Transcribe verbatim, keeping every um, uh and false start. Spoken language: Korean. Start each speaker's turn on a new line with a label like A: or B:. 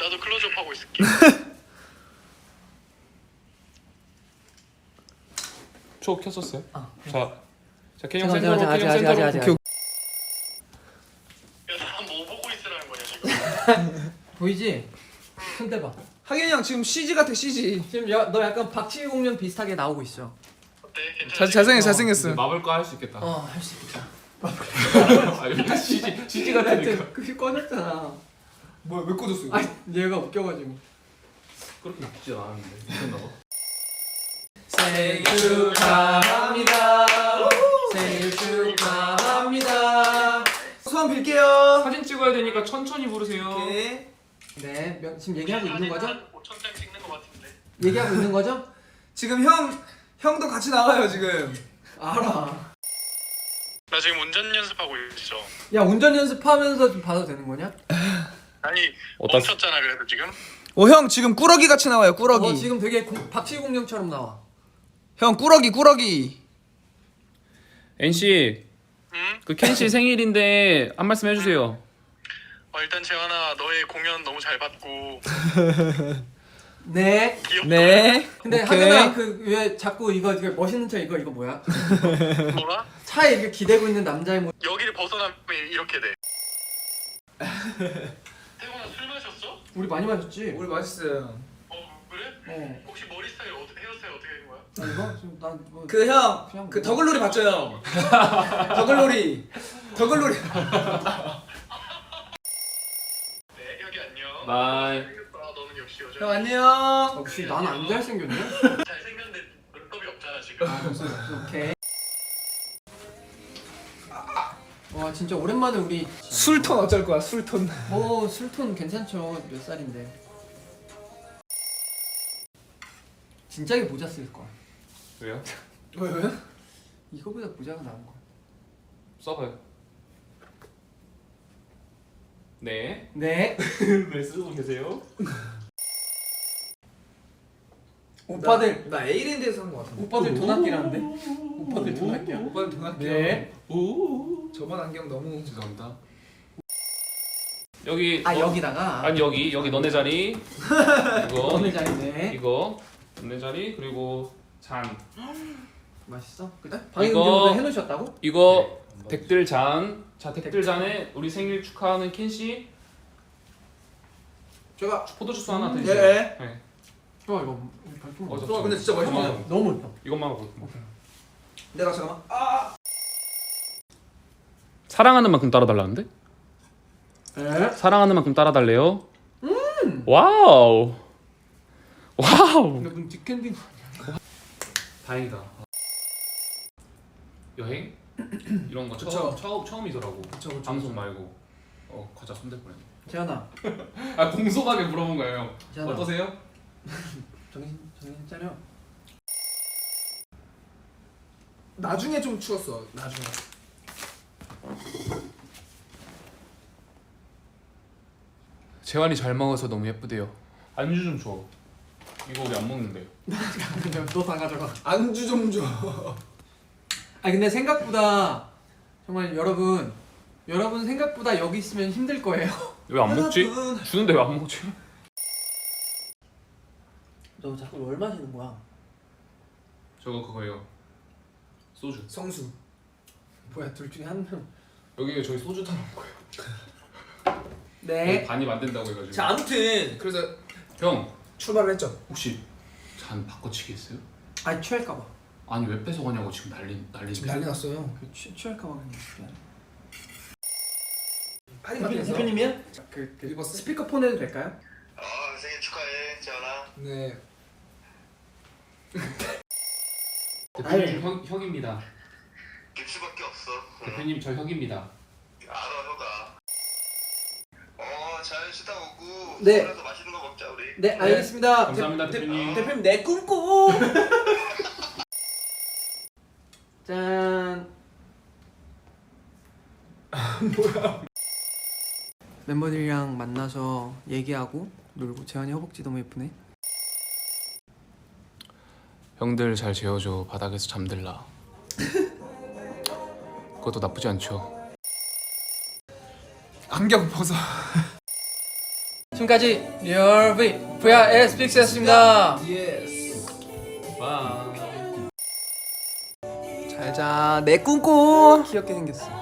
A: 나도 클로즈업 하고 있을게.
B: 초 켰었어요?
C: 아,
B: 자, 자 K형
C: 잠깐만,
B: 센터로,
C: 잠깐만,
B: K형
C: 아직,
B: 센터로.
C: 아직, 아직,
B: 오케이,
A: 야, 나 뭐 보고 있으라는 거냐 지금?
C: 보이지? 손 대봐.
D: 하균이 형 지금 씨지 같아 씨지.
C: 지금 야, 너 약간 박치기 공룡 비슷하게 나오고 있어.
A: 어때? 괜찮지?
D: 잘 잘생겼
B: 이제
D: 잘생겼어.
B: 마블과 할 수 있겠다.
C: 어, 할 수 있겠다.
B: 아, 여기 씨지, 씨지 같으니까.
C: 그게 꺼졌잖아.
D: 뭐야 왜 꽂았어 이거?
C: 아, 얘가 웃겨가지고.
B: 그렇게 나쁘지 않았는데. 미쳤나 봐.
C: 생일 축하합니다. 생일 축하합니다.
D: 소원 빌게요.
B: 사진 찍어야 되니까 천천히 부르세요.
D: 오케이.
C: 네, 명, 지금 얘기하고 있는 거죠?
A: 오천 장 찍는 거 같은데.
C: 얘기하고 있는 거죠?
D: 지금 형 형도 같이 나와요 지금.
C: 알아.
A: 나 지금 운전 연습하고 있어.
C: 야, 운전 연습하면서 좀 봐도 되는 거냐?
A: 아니
B: 어디다
A: 멈췄잖아 그래도 지금.
D: 오 형 지금 꾸러기 같이 나와요 꾸러기.
C: 어, 지금 되게 공, 박치기 공룡처럼 나와.
D: 형 꾸러기 꾸러기.
B: 엔씨,
A: 응?
B: 그 켄씨 생일인데 한 말씀 해주세요.
A: 어, 일단 재환아 너의 공연 너무 잘 봤고
C: 네.
A: 귀엽다.
D: 네.
C: 근데
D: 오케이.
C: 하근아 그 왜 자꾸 이거 이거 멋있는 척 이거 이거 뭐야?
A: 뭐라?
C: 차에 이렇게 기대고 있는 남자의 모.
A: 여기를 벗어나면 이렇게 돼. 태곤아 술 마셨어?
C: 우리 많이 마셨지?
D: 우리 맛있어요.
A: 어 그래?
C: 어.
A: 혹시 머리 스타일 어떻게 헤어스타일 어떻게 된 거야?
C: 나 이거 지금 난 뭐.
D: 그 형
C: 그냥
D: 그
C: 뭐-
D: 더글로리 봤죠 형? 더글로리. 더글로리.
A: 네 여기 안녕.
B: 바이.
A: 생겼다. 너는 역시 여자.
D: 형 안녕.
C: 역시 난 안 잘생겼냐?
A: 잘생겼는데 눈썹이 없잖아 지금.
C: 아, 없어 없어. 오케이. 와 진짜 오랜만에 우리
D: 술톤 어쩔 거야 술톤.
C: 뭐 술톤 괜찮죠. 몇 살인데. 진작에 모자 쓸 거야.
B: 왜요?
D: 왜 왜?
C: 이거보다 모자가 나은 거야.
B: 써봐요. 네.
C: 네.
B: 네, 쓰고 계세요.
C: 오빠들
D: 나 에이랜드에서 한 거 같은데.
C: 오빠들 돈 아끼라는데? 오빠들 돈 아껴.
D: 오빠는 돈 아껴.
C: 네.
B: 오.
D: 저번 안경 너무.
B: 죄송합니다. 여기.
C: 아
B: 너-
C: 여기다가.
B: 아니 여기 여기 너네 자리. 이거.
C: 어느 자리네.
B: 이거 너네 자리 그리고 잔.
C: 맛있어? 그래? 방금
B: 이거-
C: 전에 해놓으셨다고?
B: 이거 덱들 잔. 자 덱들 잔에 우리 생일 축하하는 켄 씨.
D: 제가.
B: 포도주스 하나
C: 음,
B: 드세요.
D: 네.
B: 네.
C: 좋아 이거 발품.
B: 어, 저-
D: 와 근데 진짜 맛있네.
B: 이것만,
C: 너무 맛있다.
B: 이것만 하고.
D: 내가 잠깐만. 아.
B: 사랑하는 만큼 따라달라는데?
C: 에?
B: 사랑하는 만큼 따라달래요. 음. 와우. 와우.
C: 근데 무슨 뒷캔딩
B: 다행이다. 여행 이런 거
D: 그쵸.
B: 처음 처음 처음이더라고.
D: 그쵸, 그쵸,
B: 방송
D: 그쵸.
B: 말고. 어 과자 손댈 뻔했네.
C: 재현아
B: 아 공손하게 물어본 거예요.
C: 재현아
B: 어떠세요?
C: 정신 정신 차려.
D: 나중에 좀 추웠어. 나중에.
B: 재환이 잘 먹어서 너무 예쁘대요. 안주 좀 줘. 이거 우리 안 먹는데.
C: 너 다 가져가.
D: 안주 좀 줘.
C: 아 근데 생각보다 정말 여러분 여러분 생각보다 여기 있으면 힘들 거예요.
B: 왜 안 먹지?
D: 여러분.
B: 주는데 왜 안 먹지?
C: 너 자꾸 뭘 마시는 거야?
B: 저거 그거예요. 소주.
D: 성수.
C: 뭐야 둘 중에 한 명.
B: 여기 저희 소주 타는 거예요.
C: 네.
B: 반이 안 된다고 해가지고.
D: 자 아무튼 그래서
B: 형
D: 출발을 했죠.
B: 혹시 잔 바꿔치기 했어요?
C: 아 취할까봐.
B: 아니 왜 뺏어가냐고 지금 난리 난리.
D: 지금 난리 났어요.
C: 그 취, 취할까봐 그냥.
D: 파리마트에서.
C: 대표님이야? 그, 그
D: 읽었어?
C: 스피커폰 해도 될까요?
A: 아 생일 축하해 재환아.
D: 네.
B: 대표님 형 형입니다.
A: 깁스밖에 없어.
B: 대표님 저 형입니다.
A: 알아 형아. 어잘 쉬다 오고.
C: 네.
A: 서울에서 맛있는 거 먹자 우리.
C: 네 알겠습니다.
B: 감사합니다 대표님.
C: 대표님 내 꿈꿔. 짠. 뭐야? 멤버들이랑 만나서 얘기하고 놀고 재환이 허벅지 너무 예쁘네.
B: 형들 잘 재워줘. 바닥에서 잠들라. 그것도 나쁘지 않죠.
D: 안경 벗어.
C: 지금까지 리얼 V 브이아르 빅스였습니다.
D: 예스. 와.
C: 잘자 내 꿈꿔. 귀엽게 생겼어.